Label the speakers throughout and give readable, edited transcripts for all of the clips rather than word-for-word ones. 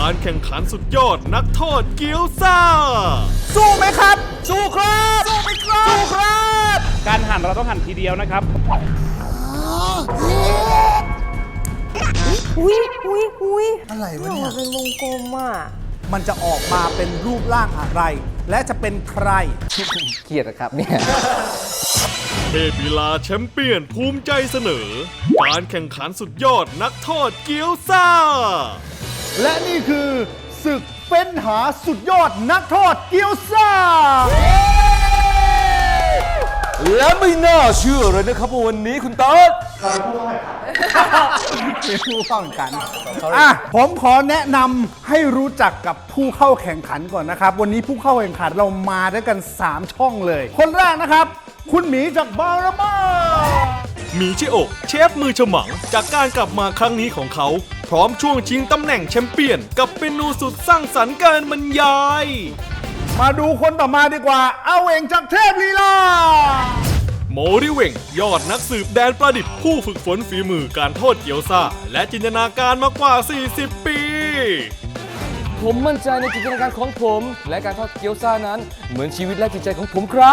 Speaker 1: การแข่งขันสุดยอดนักทอดเกี๊ยวซ่า
Speaker 2: สู้ไหมครับสู้ครับสู้ไหมครับสู้ครับ
Speaker 3: การหั่นเราต้องหั่นทีเดียวนะครับ
Speaker 4: อุ้ย
Speaker 2: อะไรวะเนี่ย
Speaker 4: เป็นวงกลมอ่ะ
Speaker 2: มันจะออกมาเป็นรูปร่างอะไร และจะเป็นใคร
Speaker 5: เครียดนะครับเนี่ย
Speaker 1: เทพลีลาแชมเปี้ยนภูมิใจเสนอการแข่งขันสุดยอดนักทอดเกี๊ยวซ่า
Speaker 2: และนี่คือศึกเฟ้นหาสุดยอดนักทอดเกี๊ยวซ่า
Speaker 5: และไม่น่าเชื่อเลยนะครับวันนี้คุณเติร์ด
Speaker 2: เป็นผู้เข้าแข่งขันผมขอแนะนำให้รู้จักกับผู้เข้าแข่งขันก่อนนะครับวันนี้ผู้เข้าแข่งขันเรามาด้วยกัน3ช่องเลยคนแรกนะครับคุณหมีจากบารามา
Speaker 1: หมีชิโอะเชฟมือฉมังจากการกลับมาครั้งนี้ของเขาพร้อมช่วงชิงตำแหน่งแชมเปี้ยนกับเมนูสุดสร้างสรรค์การบรรยาย
Speaker 2: มาดูคนต่อมาดีกว่าเอาเองจากเทพลีลา
Speaker 1: โมริเวงยอดนักสืบแดนประดิษฐ์ผู้ฝึกฝนฝีมือการทอดเกี๊ยวซ่าและจินตนาการมากว่า40 ปี
Speaker 5: ผมมั่นใจในจินตนาการของผมและการทอดเกี๊ยวซ่านั้นเหมือนชีวิตและจิตใจของผมครับ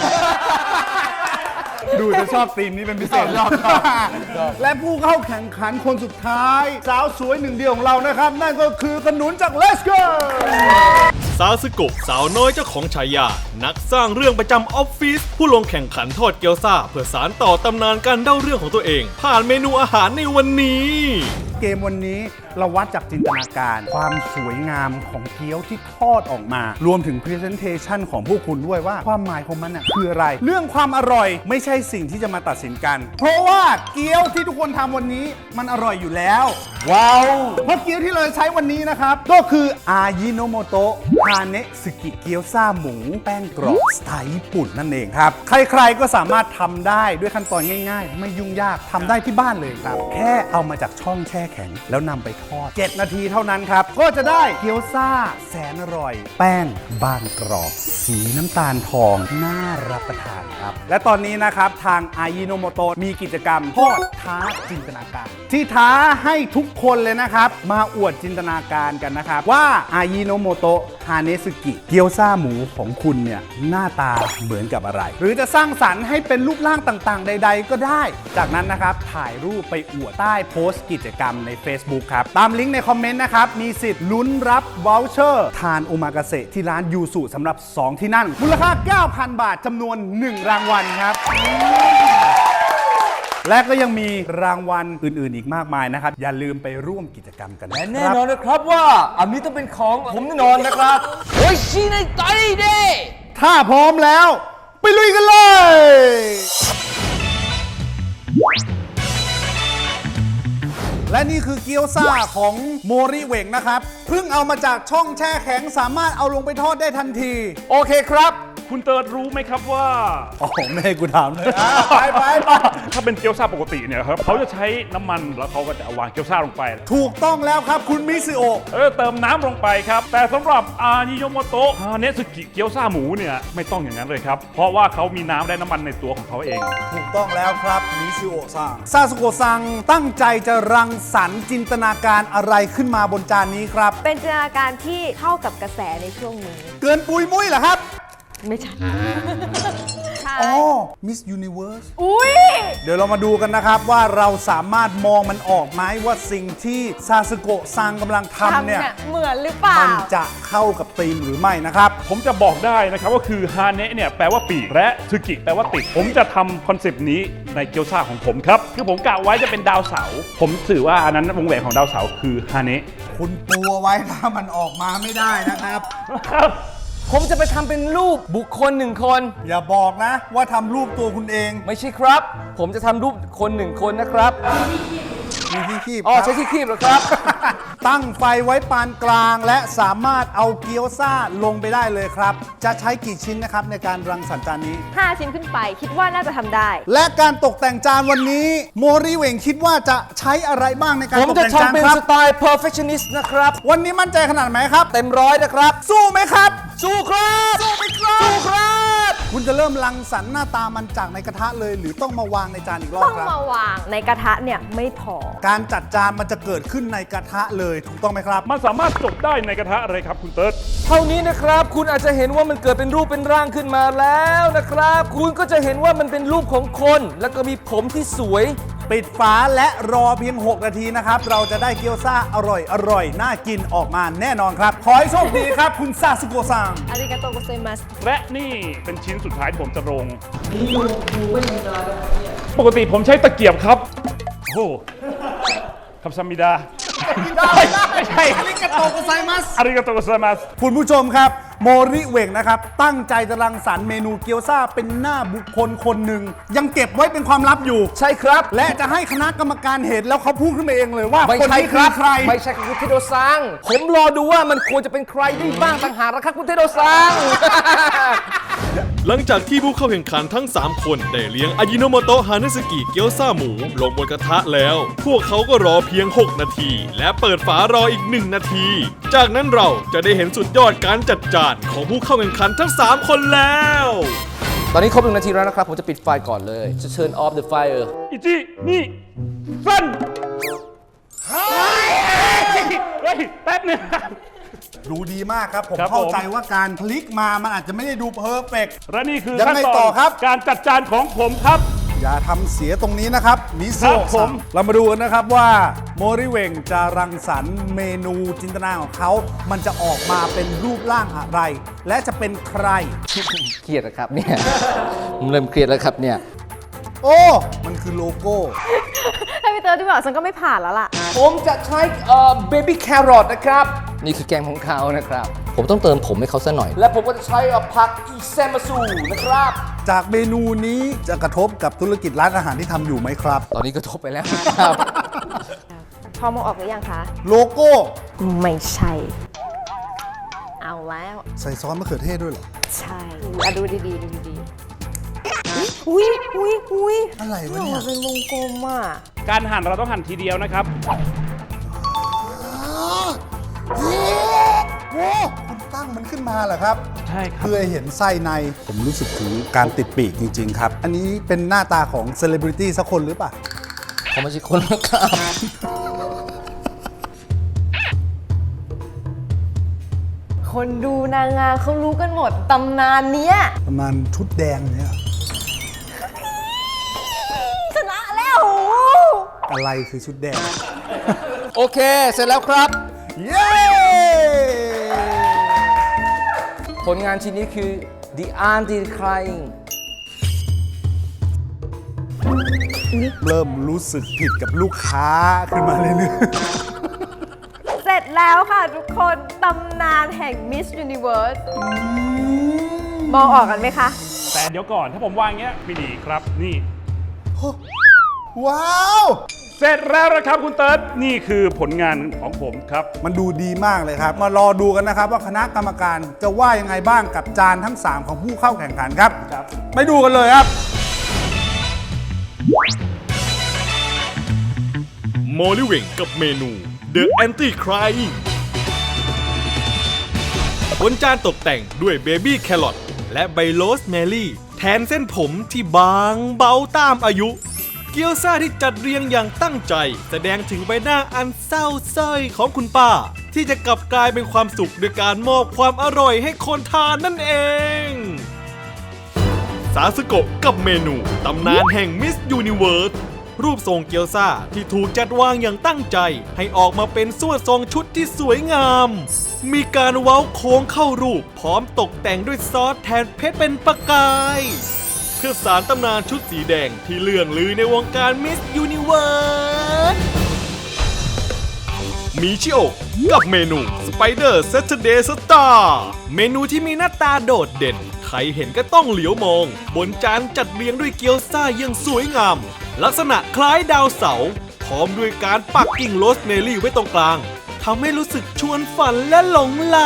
Speaker 2: ดูจะชอบธีมนี้เป็นพิเศษและผู้เข้าแข่งขันคนสุดท้ายสาวสวยหนึ่งเดียวของเรานะครับนั่นก็คือขนุนจาก Let's Go
Speaker 1: ซาสึโกะสาวน้อยเจ้าของฉายานักสร้างเรื่องประจำออฟฟิศผู้ลงแข่งขันทอดเกี๊ยวซ่าเพื่อสานต่อตำนานการเล่าเรื่องของตัวเองผ่านเมนูอาหารในวันนี้
Speaker 2: เกมวันนี้เราวัดจากจินตนาการความสวยงามของเกี๊ยวที่ทอดออกมารวมถึง Presentation ของพวกคุณด้วยว่าความหมายของมันคืออะไรเรื่องความอร่อยไม่ใช่สิ่งที่จะมาตัดสินกันเพราะว่าเกี๊ยวที่ทุกคนทำวันนี้มันอร่อยอยู่แล้วว้าวเพราะเกี๊ยวที่เราใช้วันนี้นะครับก็คืออายิโนโมโตะฮาเนะสึกิเกี๊ยวซ่าหมูแป้งกรอบสไตล์ญี่ปุ่นนั่นเองครับใครๆก็สามารถทำได้ด้วยขั้นตอนง่ายๆไม่ยุ่งยากทำได้ที่บ้านเลยครับแค่เอามาจากช่องแช่แข็งแล้วนำไปทอด7 นาทีเท่านั้นครับก็จะได้เกี๊ยวซ่าแสนอร่อยแป้งบางกรอบสีน้ำตาลทองน่ารับประทานครับและตอนนี้นะครับทางอายิโนโมโตะมีกิจกรรมทอดท้าจินตนาการที่ท้าให้ทุกคนเลยนะครับมาอวดจินตนาการกันนะครับว่าอายิโนโมโตะฮาเนสึกิเกี๊ยวซ่าหมูของคุณเนี่ยหน้าตาเหมือนกับอะไรหรือจะสร้างสรรค์ให้เป็นรูปร่างต่างๆใดๆก็ได้จากนั้นนะครับถ่ายรูปไปอวดใต้โพสต์กิจกรรมใน Facebook ครับตามลิงก์ในคอมเมนต์นะครับมีสิทธิ์ลุ้นรับวอลเชอร์ทานโอมากาเสะที่ร้านยูสุสำหรับ2ที่นั่งมูลค่า 9,000 บาทจำนวน1รางวัลครับและก็ยังมีรางวัลอื่นๆอีกมากมายนะครับอย่าลืมไปร่วมกิจกรรมกัน
Speaker 5: และแน่นอนนะครับว่าอันนี้ต้องเป็นของผมแน่นอนนะครับโอ้ยชีในใจเด้
Speaker 2: ถ้าพร้อมแล้วไปลุยกันเลยและนี่คือเกี๊ยวซ่าของโมริเวงนะครับเพิ่งเอามาจากช่องแช่แข็งสามารถเอาลงไปทอดได้ทันทีโอเคครับ
Speaker 3: คุณเติร์ดรู้ไหมครับว่า
Speaker 2: ไม่ให้กูถามเลยไป
Speaker 3: ถ้าเป็นเกี๊ยวซ่าปกติเนี่ยครับเขาจะใช้น้ำมันแล้วเขาก็จะวางเกี๊ยวซ่าลงไป
Speaker 2: ถูกต้องแล้วครับคุณมิซึโอะ
Speaker 3: เติมน้ำลงไปครับแต่สำหรับอายิโนโมโตะฮาเนะสึกิเกี๊ยวซ่าหมูเนี่ยไม่ต้องอย่างนั้นเลยครับเพราะว่าเขามีน้ำและน้ำมันในตัวของเขาเอง
Speaker 2: ถูกต้องแล้วครับมิซึโอะซังซาสึโกะซังตั้งใจจะรังสรรค์จินตนาการอะไรขึ้นมาบนจานนี้ครับ
Speaker 4: เป็นจินตนาการที่เข้ากับกระแสในช่วงนี้
Speaker 2: เกินปุยมุ้ยเหรอครับ
Speaker 4: ไม่ใช่
Speaker 2: อ๋อ Miss Universe
Speaker 4: อุ้ย
Speaker 2: เดี๋ยวเรามาดูกันนะครับว่าเราสามารถมองมันออกไหมว่าสิ่งที่ซาสึโกะซังกำลังทำเนี่ย
Speaker 4: เหมือนหรือเปล่า
Speaker 2: มันจะเข้ากับธีมหรือไม่นะครับ
Speaker 3: ผมจะบอกได้นะครับว่าคือฮาเนะเนี่ยแปลว่าปีกและสึกิแปลว่าติดผมจะทำคอนเซปต์นี้ในเกี๊ยวซ่าของผมครับคือผมกะไว้จะเป็นดาวเสาร์ผมถือว่าอันนั้นวงแหวนของดาวเสาร์คือฮาเนะ
Speaker 2: คุณปูไว้ถ้ามันออกมาไม่ได้นะครับ
Speaker 5: ผมจะไปทำเป็นรูปบุคคล1 คน
Speaker 2: อย่าบอกนะว่าทำรูปตัวคุณเอง
Speaker 5: ไม่ใช่ครับผมจะทำรูปคน1 คนนะครับ
Speaker 2: มีที่คีบ
Speaker 5: ใช้ที่คีบเหรอครับ
Speaker 2: ตั้งไฟไว้ปานกลางและสามารถเอาเกี๊ยวซ่าลงไปได้เลยครับจะใช้กี่ชิ้นนะครับในการรังสรรค์จานนี้
Speaker 4: 5 ชิ้นขึ้นไปคิดว่าน่าจะทำได้
Speaker 2: และการตกแต่งจานวันนี้โมริเวงคิดว่าจะใช้อะไรบ้างในการตกแต่งจานครับผมจะ
Speaker 5: ทำเป็นสไตล์ perfectionist นะครับ
Speaker 2: วันนี้มั่นใจขนาดไหนครับ
Speaker 5: เต็ม100นะครับ
Speaker 2: สู้ไหมครับ
Speaker 5: สู้ครับ
Speaker 2: สู้ไหมครับสู้ครับคุณจะเริ่มรังสรรค์หน้าตามันจากในกระทะเลย หรือต้องมาวางในจานอีกรอบ
Speaker 4: ต้อง
Speaker 2: ครับ
Speaker 4: มาวางในกระทะเนี่ยไม่พอ
Speaker 2: การจัดจานมันจะเกิดขึ้นในกระทะเลยถูกต้องไหมครับ
Speaker 3: มันสามารถจบได้ในกระทะอะไรครับคุณเติร์ด
Speaker 5: เท่านี้นะครับ คุณอาจจะเห็นว่ามันเกิดเป็นรูปเป็นร่างขึ้นมาแล้วนะครับ คุณก็จะเห็นว่ามันเป็นรูปของคน แล้วก็มีผมที่สวย
Speaker 2: ปิดฝาและรอเพียง 6 นาทีนะครับ เราจะได้เกี๊ยวซ่าอร่อยน่ากินออกมาแน่นอนครับ ขอให้โชคดีครับ คุณซาสึโกะซัง
Speaker 4: อาริกาโตโกเซมัส
Speaker 3: และนี่เป็นชิ้นสุดท้ายที่ผมจะลงปกติผมใช้ตะเกียบครับ โอ้คำซามิดา ไม่ใช่
Speaker 2: อาริกาโตโกไซมัส
Speaker 3: อาริกาโตโกไซมัส
Speaker 2: คุณผู้ชมครับ โมริเหว่งนะครับ ตั้งใจจะรังสรรค์เมนูเกี๊ยวซ่าเป็นหน้าบุคคลคนหนึ่ง ยังเก็บไว้เป็นความลับอยู่
Speaker 5: ใช่ครับ
Speaker 2: และจะให้คณะกรรมการเห็นแล้วเขาพูดขึ้นมาเองเลยว่า
Speaker 5: ไม่
Speaker 2: คน
Speaker 5: ใช่
Speaker 2: นี้
Speaker 5: ค
Speaker 2: คื
Speaker 5: รั
Speaker 2: อบ ใคร
Speaker 5: ไม่ใช่คุณเทโดซัง ผมรอดูว่ามันควรจะเป็นใครได้บ้างต่างหากนะครับคุณเทโดซัง
Speaker 1: หลังจากที่ผู้เข้าแข่งขันทั้ง 3 คนได้เลี้ยงอายิโนโมโตะฮานุสกิเกี๊ยวซ่าหมูลงบนกระทะแล้ว พวกเขาก็รอเพียง 6 นาที และเปิดฝารออีก 1 นาที จากนั้นเราจะได้เห็นสุดยอดการจัดจานของผู้เข้าแข่งขันทั้ง 3 คนแล้ว
Speaker 5: ตอนนี้ครบ1 นาทีแล้วนะครับ ผมจะปิดไฟก่อนเลย จะ turn off the fire
Speaker 3: อิจินี่สั้นเฮ้ยแป๊บหนึง
Speaker 2: ดูดีมากครับ ผม
Speaker 3: ครับ
Speaker 2: เข้า
Speaker 3: ผม
Speaker 2: ใจว่าการพลิกมามันอาจจะไม่ได้ดูเพอร์เฟกต์
Speaker 3: และนี่คือ
Speaker 2: ยัง
Speaker 3: ขั้น
Speaker 2: ไง
Speaker 3: ต
Speaker 2: ต่
Speaker 3: อ
Speaker 2: อน ครับ
Speaker 3: การจัดจานของผมครับ
Speaker 2: อย่าทำเสียตรงนี้นะครับมิ
Speaker 3: ค
Speaker 2: โซ
Speaker 3: รับผ
Speaker 2: ซั
Speaker 3: ม
Speaker 2: งเรามาดูกันนะครับว่าโมริเวงจะรังสรรค์เมนูจินตนาของเขา มันจะออกมาเป็นรูปร่างอะไร และจะเป็นใคร
Speaker 5: เครียดนะครับเนี่ย ผมเริ่มเครียดแล้วครับเนี่ย
Speaker 2: โอ้ มันคือโลโก้
Speaker 4: ถ้าพี่เตอร์ที่บอกฉันก็ไม่ผ่านแล้วล่ะ
Speaker 5: ผมจะใช้baby carrot นะครับ นี่คือแกงของเขานะครับ ผมต้องเติมผมให้เขาซะหน่อย และผมก็จะใช้ผักอีเซมาซูนะครับ
Speaker 2: จากเมนูนี้จะกระทบกับธุรกิจร้านอาหารที่ทำอยู่ไหมครับ
Speaker 5: ตอนนี้ก็ทบไปแล้วครับ
Speaker 4: พอมองออกหรือยังคะ
Speaker 2: โลโก้
Speaker 4: ไม่ใช่ เอาแล้ว
Speaker 2: ใส่ซอสมะเขือเทศด้วยเหรอ
Speaker 4: ใช่อ่ะดูดีๆดูดีๆอุ้ยอุ้ย
Speaker 2: อะไรวะเนี่ย
Speaker 4: เป็นวงกลมอ่ะ
Speaker 3: การหั่นเราต้องหั่นทีเดียวนะครับ
Speaker 2: โอ้คุณตั้งมันขึ้นมาเหรอครับ
Speaker 3: ใช่ครับ
Speaker 2: เพื่อให้เห็นไส้ใน ผมรู้สึกถึงการติดปีกจริง ๆ ครับ อันนี้เป็นหน้าตาของเซเลบริตี้สักคนหรือเปล่า
Speaker 5: เขาไม่ใช่คนนะครับ
Speaker 4: คนดูนางงามเขารู้กันหมดตำนานเนี้ย
Speaker 2: ประมาณชุดแดงเนี่ย
Speaker 4: ชนะแล้ว
Speaker 2: อะไรคือชุดแดง
Speaker 5: โอเค เสร็จแล้วครับ
Speaker 2: เย้
Speaker 5: ผลงานชิ้นนี้คือ The Anti Crying
Speaker 2: เริ่มรู้สึกผิดกับลูกค้าขึ้นมาเรื่อย
Speaker 4: เสร็จแล้วค่ะทุกคนตำนานแห่ง Miss Universe มองออกกันไหมคะ
Speaker 3: แต่เดี๋ยวก่อนถ้าผมวางอย่างเงี้ยไม่ดีครับ นี่
Speaker 2: ๆ ว้าว
Speaker 3: เสร็จแล้วนะครับคุณเติร์ดนี่คือผลงานของผมครับ
Speaker 2: มันดูดีมากเลยครับ มารอดูกันนะครับว่าคณะกรรมการจะว่ายังไงบ้างกับจานทั้ง 3 ของผู้เข้าแข่งขันครับ
Speaker 3: ครับ
Speaker 2: ไปดูกันเลยครับ
Speaker 1: โมลิเวงกับเมนู The Anti Crying บนจานตกแต่งด้วยเบบี้แครอทและใบโรสแมรี่แทนเส้นผมที่บางเบาตามอายุ เกี๊ยวซ่าที่จัดเรียงอย่างตั้งใจ แสดงถึงใบหน้าอันเศร้าส้อยของคุณป้า ที่จะกลับกลายเป็นความสุขด้วยการมอบความอร่อยให้คนทานนั่นเอง ซาสึโกะกับเมนูตำนานแห่ง Miss Universe รูปทรงเกี๊ยวซ่าที่ถูกจัดวางอย่างตั้งใจ ให้ออกมาเป็นส่วนทรงชุดที่สวยงาม มีการเว้าโค้งเข้ารูป พร้อมตกแต่งด้วยซอสแทนเพชรเป็นประกาย เพื่อสารตำนานชุดสีแดงที่เลื่องลือในวงการ Miss Universe มิชิโอะกับเมนู Spider Saturday Star เมนูที่มีหน้าตาโดดเด่น ใครเห็นก็ต้องเหลียวมอง บนจานจัดเรียงด้วยเกี๊ยวซ่าอย่างสวยงาม ลักษณะคล้ายดาวเสาร์พร้อมด้วยการปักกิ่งโรสแมรี่ไว้ตรงกลางทำให้รู้สึกชวนฝันและหลงไหล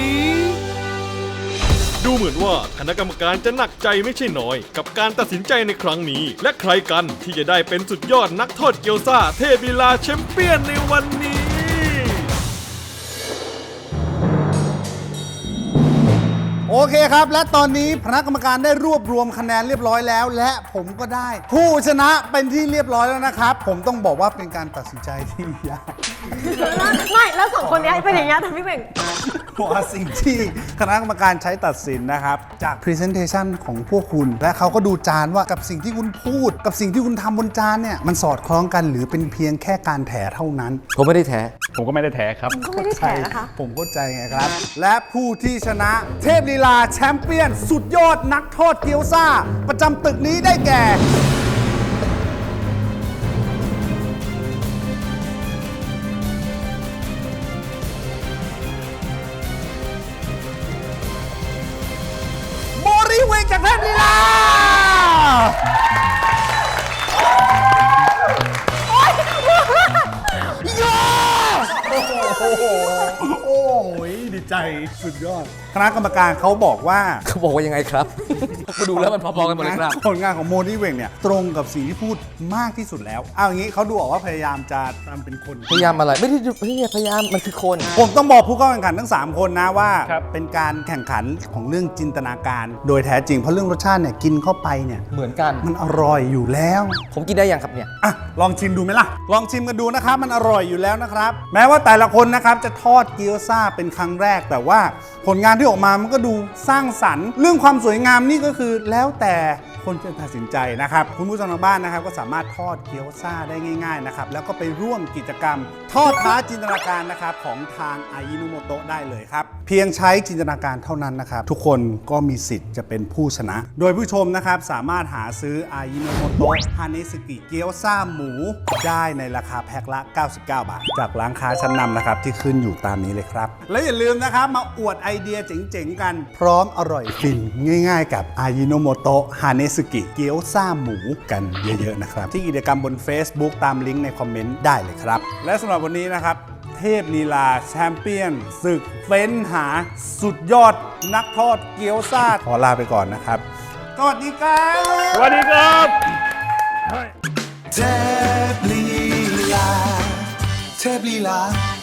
Speaker 1: ดูเหมือนว่าคณะกรรมการจะหนักใจไม่ใช่น้อย กับการตัดสินใจในครั้งนี้ และใครกันที่จะได้เป็นสุดยอดนักทอดเกี๊ยวซ่าเทพลีลาแชมเปี้ยนในวันนี้
Speaker 2: โอโอเคครับ และตอนนี้คณะกรรมการได้รวบรวมคะแนนเรียบร้อยแล้ว และผมก็ได้ ผู้ชนะเป็นที่เรียบร้อยแล้วนะครับ ผมต้องบอกว่าเป็นการตัดสินใจที่ยาก
Speaker 4: ไม่แล้วสองคนเนี้ยเป็นอย่างเงี้ยแต่พี่เบ่ง
Speaker 2: เพราะว่าสิ่งที่คณะกรรมการใช้ตัดสินนะครับ จาก Presentation ของพวกคุณ และเขาก็ดูจานว่ากับสิ่งที่คุณพูด กับสิ่งที่คุณทำบนจานเนี่ยมันสอดคล้องกันหรือเป็นเพียงแค่การแถเท่านั้น
Speaker 5: ผมไม่ได้แท้
Speaker 3: ผมก็ไม่ได้แท้ครับ
Speaker 4: ก็ไม่ได้แถนะคะ
Speaker 2: ผมเข้าใจไงครับ และผู้ที่ชนะเทพลีลาแชมเปี้ยน สุดยอดนักทอดเกี๊ยวซ่า ประจำตึกนี้ได้แก่ โมริเวงจากเทพลีลา โอ้ยดีใจสุดยอด คณะกรรมการเขาบอกว่า
Speaker 5: เขาบอกว่ายังไงครับมาดูแล้วมันพอๆกันหมดเลยครับ
Speaker 2: ผลงานของโมนี่เวงเนี่ยตรงกับสิ่งที่พูดมากที่สุดแล้ว เอาอย่างนี้เขาดูออกว่าพยายามจะทำเป็นคน
Speaker 5: พยายามอะไร ไม่ได้พยายามมันคือคน
Speaker 2: ผมต้องบอกผู้เข้าแข่งขันทั้ง 3 คนนะว่า
Speaker 3: ครับ
Speaker 2: เป็นการแข่งขันของเรื่องจินตนาการ โดยแท้จริงเพราะเรื่องรสชาติเนี่ยกินเข้าไปเนี่ย
Speaker 5: เหมือนกัน
Speaker 2: มันอร่อยอยู่แล้ว
Speaker 5: ผมกินได้ยังครับเนี่ย
Speaker 2: อ่ะลองชิมดูไหมล่ะ ลองชิมกันดูนะครับ มันอร่อยอยู่แล้วนะครับ แม้ว่าแต่ละคนนะครับจะทอดเกี๊ยวซ่าเป็นครั้งแรก แต่ว่าผลงานที่ออกมามันก็ดูสร้างสรรค์ เรื่องความสวยงามนี่ก็คือแล้วแต่คนจะตัดสินใจนะครับ คุณผู้ชมทางบ้านนะครับก็สามารถทอดเกี๊ยวซ่าได้ง่ายๆนะครับ แล้วก็ไปร่วมกิจกรรม ทอดท้าจินตนาการนะครับของทางอายิโนโมโตะได้เลยครับ เพียงใช้จินตนาการเท่านั้นนะครับ ทุกคนก็มีสิทธิ์จะเป็นผู้ชนะ โดยผู้ชมนะครับสามารถหาซื้ออายิโนโมโตะฮาเนสึกิเกี๊ยวซ่าหมูได้ในราคาแพ็คละ 99 บาท จากร้านค้าชั้นนำนะครับที่ขึ้นอยู่ตามนี้เลยครับ และอย่าลืมนะครับมาอวดไอเดียเจ๋งๆกัน พร้อมอร่อยฟินง่ายๆกับอายิโนโมโตะฮาเนสึกิเกี๊ยวซ่าหมูกันเยอะๆนะครับที่กิจกรรมบน Facebook ตามลิงก์ในคอมเมนต์ได้เลยครับและสำหรับวันนี้นะครับเทพลีลาแชมเปี้ยนศึกเฟ้นหาสุดยอดนักทอดเกี๊ยวซ่าขอลาไปก่อนนะครับสวัสดีครับ
Speaker 3: สวัสดีครับ
Speaker 6: เทพลีลาเทพลีลา